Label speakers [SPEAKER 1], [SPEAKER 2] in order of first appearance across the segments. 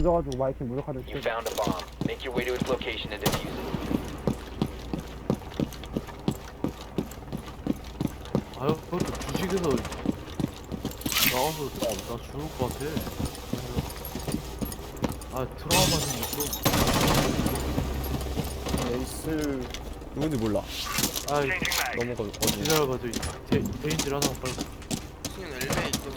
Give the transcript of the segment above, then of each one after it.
[SPEAKER 1] 늦어가지고 마이크 무력화될
[SPEAKER 2] You
[SPEAKER 1] 때.
[SPEAKER 2] found a bomb. Make your way to its location and defuse it.
[SPEAKER 3] 아유, 그것도 주식에서 나와서 나 죽을 것 같아. 아, 트라우마 생겼어.
[SPEAKER 4] 에이스 누군지 몰라.
[SPEAKER 3] 아이,
[SPEAKER 4] 넘어가 어디?
[SPEAKER 3] 기다려봐, 저 대인질 하나 빨리.
[SPEAKER 5] 지금 엘베에 있거든.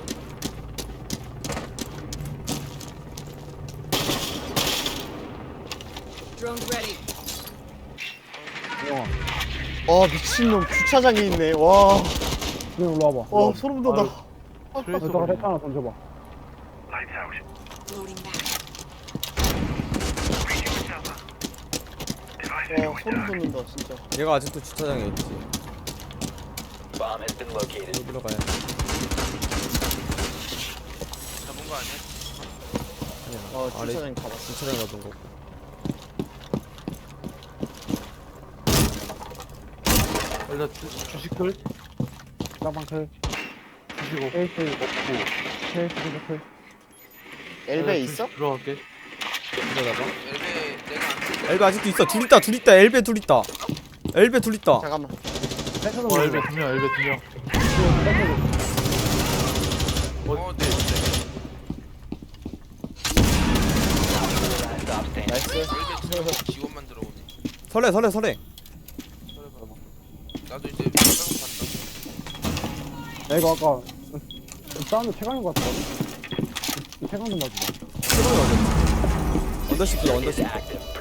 [SPEAKER 4] 미친놈 주차장에 있네. 와.
[SPEAKER 1] 그냥 일로 와봐.
[SPEAKER 4] 소름 돋아.
[SPEAKER 3] 트레이서
[SPEAKER 1] 여기다가
[SPEAKER 3] 걸리네.
[SPEAKER 1] 렉 하나 던져봐.
[SPEAKER 6] Loading back.
[SPEAKER 4] 소름 돋는다 진짜.
[SPEAKER 7] 얘가 아직도 주차장에 있지.
[SPEAKER 2] Bomb has been located.
[SPEAKER 7] 여기로 가야
[SPEAKER 5] 잡은 거 아니야?
[SPEAKER 7] 아래
[SPEAKER 4] 주차장 가봤어.
[SPEAKER 7] 주차장 가던 거고.
[SPEAKER 3] 일단 주식들?
[SPEAKER 1] 쌍방 클.
[SPEAKER 3] 주식 없고.
[SPEAKER 1] 에이스 없고. 케이스 클.
[SPEAKER 4] 엘베 있어?
[SPEAKER 3] 들어갈게.
[SPEAKER 7] 이러다가
[SPEAKER 5] 엘베 내가 안 쓸게.
[SPEAKER 7] 엘베 아직도 있어. 둘 있다. 엘베 둘 있다. 엘베 둘 있다.
[SPEAKER 4] 잠깐만.
[SPEAKER 1] 백화점
[SPEAKER 3] 엘베 2명, 엘베 2명.
[SPEAKER 5] 네.
[SPEAKER 2] Last stop standing.
[SPEAKER 4] 나이스.
[SPEAKER 5] 엘베 지원만 들어오네.
[SPEAKER 7] 설레.
[SPEAKER 5] 잘해봐. 나도 이제 백업 간다.
[SPEAKER 1] 야 이거 아까 사운드 최강인 것 같거든. 최강 좀 봐주자.
[SPEAKER 7] 언더시프.
[SPEAKER 2] Is active.